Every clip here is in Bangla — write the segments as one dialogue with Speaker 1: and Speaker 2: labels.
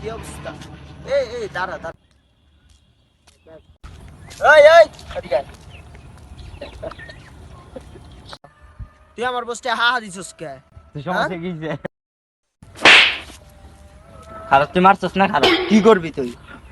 Speaker 1: কি অবস্থা? এই দাঁড়া দাঁড়া। এই এদিকে আয়। তুই আমার বসতে হা হা দিছিস কে?
Speaker 2: সমস্যা কি যে খারাপ তুই মারছস না খারাপ কি করবি তুই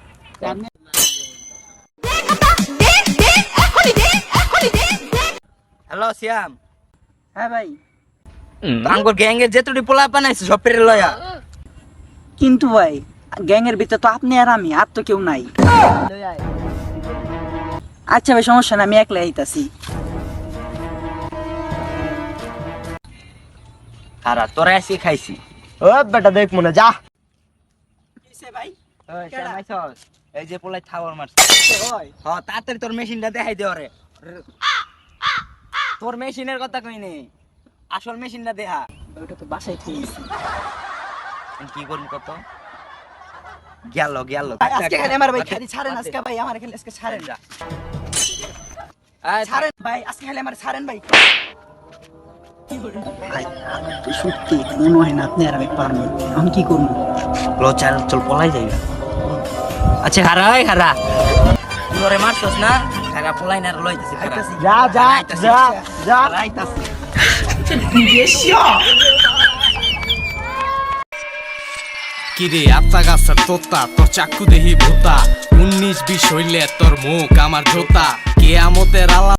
Speaker 2: হ্যালো সিয়াম
Speaker 3: হ্যাঁ ভাই,
Speaker 2: আঙ্গুর গ্যাং এর যেতুটি পোলা বানাইছে সব পেরে লয়া
Speaker 3: কিন্তু ভাই গ্যাং এর ভিতরে তো আপনি আর আমি, আর তো কেউ নাই।
Speaker 1: লই আয়।
Speaker 3: আচ্ছা ভাই, সমস্যা না, আমি একলাই আইতাছি।
Speaker 2: খারাপ তোরা এসে খাইছি
Speaker 1: ও বেটা দেখ মনে যা।
Speaker 3: ভাই
Speaker 2: ওই সিয়াম আইছস এই যে পোলাই থাওয়ার মারছে
Speaker 3: ওই
Speaker 2: হ তাড়াতাড়ি তোর মেশিনটা দেখাই দে ওরে তোর মেশিনের কথা কই নে আসল মেশিনটা দেখা
Speaker 3: ওটা তো বাসায় ঠিক আছে।
Speaker 2: কি করবি কত গেল গেল
Speaker 3: আজকে খালি আমার ভাই খালি ছাড়েন, আজকে ভাই আমার খালি আজকে ছাড়েন, ছাড়েন ভাই, আজকে খালি আমার ছাড়েন ভাই। ভাই তো সত্যি মনে হয় না আপনি আর আমি পারবো, আমি কি করবো?
Speaker 2: লো চল চল পলাই যাই আচ্ছা খারা ওই খারা তুই ওরে মারছস না খারা পলাই না লইতেছি খারা
Speaker 1: যা যা যা যা।
Speaker 2: আইতাছি
Speaker 4: কিরে আত্মা গাছের তোতা তোর চাকু দেহি ভূতা 19-20 হইলে তোর মুখ আমার জোতা কেয়ামতের আলা